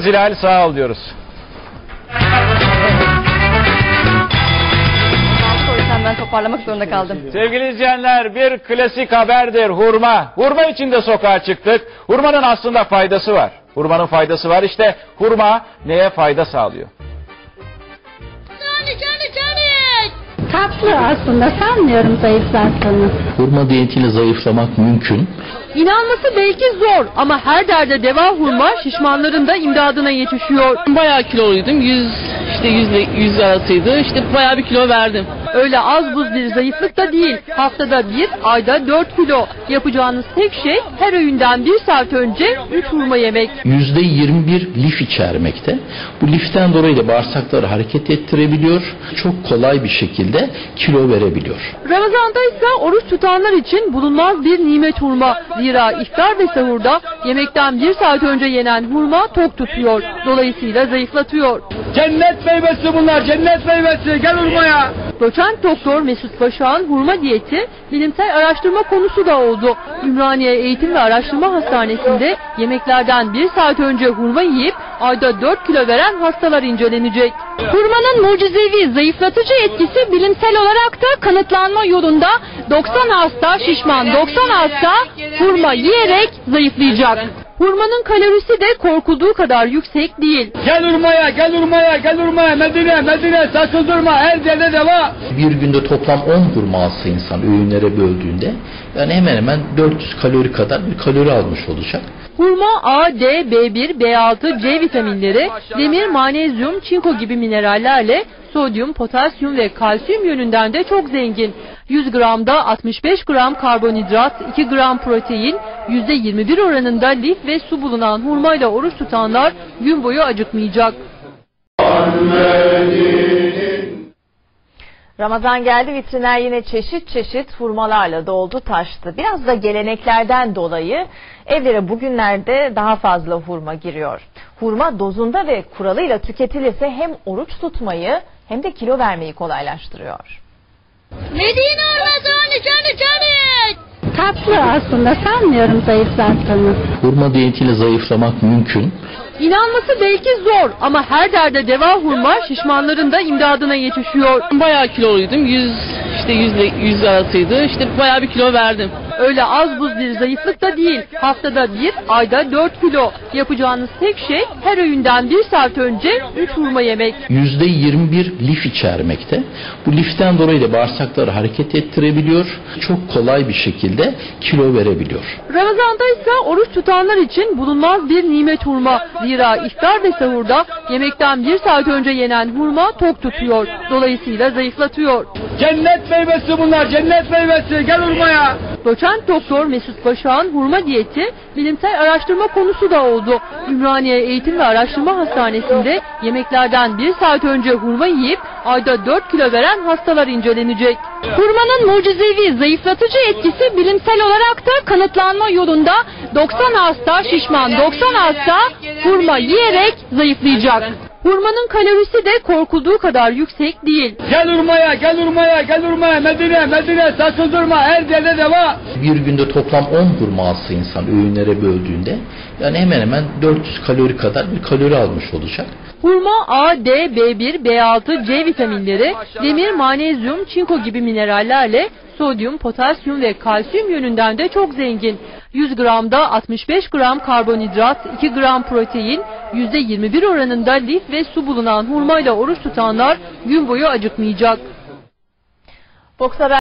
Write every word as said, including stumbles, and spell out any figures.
Zilal sağ ol diyoruz. Ben toparlamak zorunda kaldım. Sevgili izleyenler, bir klasik haberdir hurma. Hurma için de sokağa çıktık. Hurmanın aslında faydası var. Hurmanın faydası var. İşte hurma neye fayda sağlıyor? Canı canı canı. Tatlı aslında, sanmıyorum zayıflattığını. Hurma diyetiyle zayıflamak mümkün. İnanması belki zor ama her derde deva hurma şişmanların da imdadına yetişiyor. Bayağı kiloluydum. yüz işte yüzle yüz arasıydı. İşte bayağı bir kilo verdim. Öyle az buz bir zayıflık da değil. Haftada bir, ayda dört kilo. Yapacağınız tek şey her öğünden bir saat önce üç hurma yemek. yüzde yirmi bir lif içermekte. Bu liften dolayı da bağırsakları hareket ettirebiliyor. Çok kolay bir şekilde kilo verebiliyor. Ramazanda ise oruç tutanlar için bulunmaz bir nimet hurma. Zira iftar ve sahurda yemekten bir saat önce yenen hurma tok tutuyor. Dolayısıyla zayıflatıyor. Cennet meyvesi bunlar, cennet meyvesi. Gel hurmaya. Doçent Doktor Mesut Başak'ın hurma diyeti bilimsel araştırma konusu da oldu. Ümraniye Eğitim ve Araştırma Hastanesi'nde yemeklerden bir saat önce hurma yiyip ayda dört kilo veren hastalar incelenecek. Hurmanın mucizevi zayıflatıcı etkisi bilimsel olarak da kanıtlanma yolunda. doksan hasta şişman, doksan hasta hurma yiyerek zayıflayacak. Hurmanın kalorisi de korkulduğu kadar yüksek değil. Gel hurmaya, gel hurmaya, gel hurmaya. Medine, Medine, sakın durma. Her yerde deva. Bir günde toplam on hurma alsa insan öğünlere böldüğünde yani hemen hemen dört yüz kalori kadar bir kalori almış olacak. Hurma A, D, B bir, B altı, C vitaminleri, demir, manezyum, çinko gibi minerallerle sodyum, potasyum ve kalsiyum yönünden de çok zengin. yüz gramda altmış beş gram karbonhidrat, iki gram protein, yüzde yirmi bir oranında lif ve su bulunan hurmayla oruç tutanlar gün boyu acıkmayacak. Ramazan geldi, vitrinler yine çeşit çeşit hurmalarla doldu taştı. Biraz da geleneklerden dolayı evlere bugünlerde daha fazla hurma giriyor. Hurma dozunda ve kuralıyla tüketilirse hem oruç tutmayı hem de kilo vermeyi kolaylaştırıyor. Medine Ramazanı canı canı. Tatlı aslında, sanmıyorum zayıflattığını. Hurma diyetiyle zayıflamak mümkün. İnanması belki zor ama her derde deva hurma şişmanların da imdadına yetişiyor. Bayağı kiloluydum. yüz işte yüzle yüz arasıydı. İşte bayağı bir kilo verdim. Öyle az buz bir zayıflık da değil. Haftada bir, ayda dört kilo. Yapacağınız tek şey her öğünden bir saat önce üç hurma yemek. yüzde yirmi bir lif içermekte. Bu liften dolayı da bağırsakları hareket ettirebiliyor. Çok kolay bir şekilde kilo verebiliyor. Ramazanda ise oruç tutanlar için bulunmaz bir nimet hurma. Zira iftar ve sahurda yemekten bir saat önce yenen hurma tok tutuyor. Dolayısıyla zayıflatıyor. Cennet meyvesi bunlar, cennet meyvesi. Gel hurmaya. Doçent Doktor Mesut Başak'ın hurma diyeti bilimsel araştırma konusu da oldu. Ümraniye Eğitim ve Araştırma Hastanesi'nde yemeklerden bir saat önce hurma yiyip ayda dört kilo veren hastalar incelenecek. Hurmanın mucizevi zayıflatıcı etkisi bilimsel olarak da kanıtlanma yolunda. doksan hasta şişman, doksan hasta hurma yiyerek zayıflayacak. Hurmanın kalorisi de korkulduğu kadar yüksek değil. Gel hurmaya, gel hurmaya, gel hurmaya. Medine, Medine, sakın durma. Her yerde deva. Bir günde toplam on hurma alsa insan öğünlere böldüğünde yani hemen hemen dört yüz kalori kadar bir kalori almış olacak. Hurma A, D, B bir, B altı, C vitaminleri, demir, manezyum, çinko gibi minerallerle sodyum, potasyum ve kalsiyum yönünden de çok zengin. yüz gramda altmış beş gram karbonhidrat, iki gram protein, yüzde yirmi bir oranında lif ve su bulunan hurmayla oruç tutanlar gün boyu acıkmayacak. Boks Haber